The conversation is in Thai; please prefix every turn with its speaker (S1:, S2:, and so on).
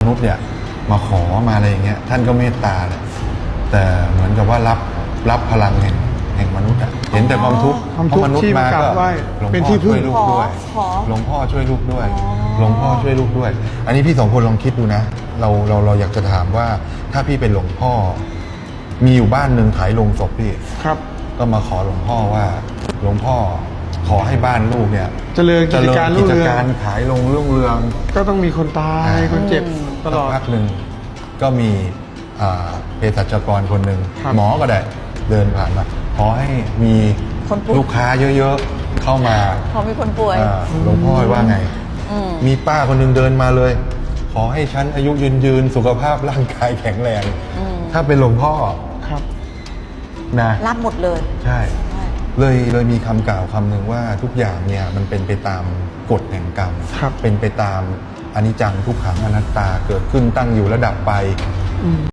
S1: นุษย์เนี่ยมาขอมาอะไรอย่างเงี้ยท่านก็เมตตาแหละแต่เหมือนกับว่ารับพลังแห่งมนุษย์อะเห็นแต่ความทุกข์
S2: ความทุกข์
S1: มนุษ
S2: ที่
S1: ย์
S2: มาม
S1: าก
S2: รา
S1: ก็
S2: บไหว้
S1: หลวง
S2: เป็น
S1: พ่อ
S2: ที่พึ่
S1: ช่
S2: ง
S1: วยลูกด้วย
S3: ขอ
S1: หลวงพ่อช่วยลูกด้วย
S3: อ๋อ
S1: หลวงพ่อช่วยลูกด้วย อันนี้พี่สองคนลองคิดดูนะเราอยากจะถามว่าถ้าพี่เป็นหลวงพ่อ มีอยู่บ้านหนึ่งขายโลงศพพี่
S2: ครับ
S1: ก็มาขอหลวงพ่อว่าหลวงพ่อขอให้บ้านลูกเนี่ย
S2: เจริญกิจการรุ่
S1: กิ
S2: ง
S1: จ
S2: เรือง
S1: การขายลงรุ่งเรือง
S2: ก็ต้องมีคนตายคนเจ็บตลอด
S1: สักพักหนึ่งก็มีเภสัชกรคนหนึ่ง
S2: ครับ
S1: หมอก็ได้เดินผ่านมาขอให้มี
S3: คนป่วย
S1: ลูกค้าเยอะๆเข้ามา
S3: พอมีคนป่วย
S1: หลวงพ่อว่าไง มีป้าคนหนึ่งเดินมาเลย ขอให้ฉันอายุยืนสุขภาพร่างกายแข็งแรง ถ้าเป็นหลวงพ่อ
S2: ครับ
S1: นะ
S3: รับหมดเลย
S1: ใช่ เลยมีคำกล่าวคำหนึ่งว่าทุกอย่างเนี่ยมันเป็นไปตามกฎแห่งกรรม
S2: ครับ
S1: เป็นไปตามอนิจจังทุกขังอนัตตาเกิดขึ้นตั้งอยู่ระดับไป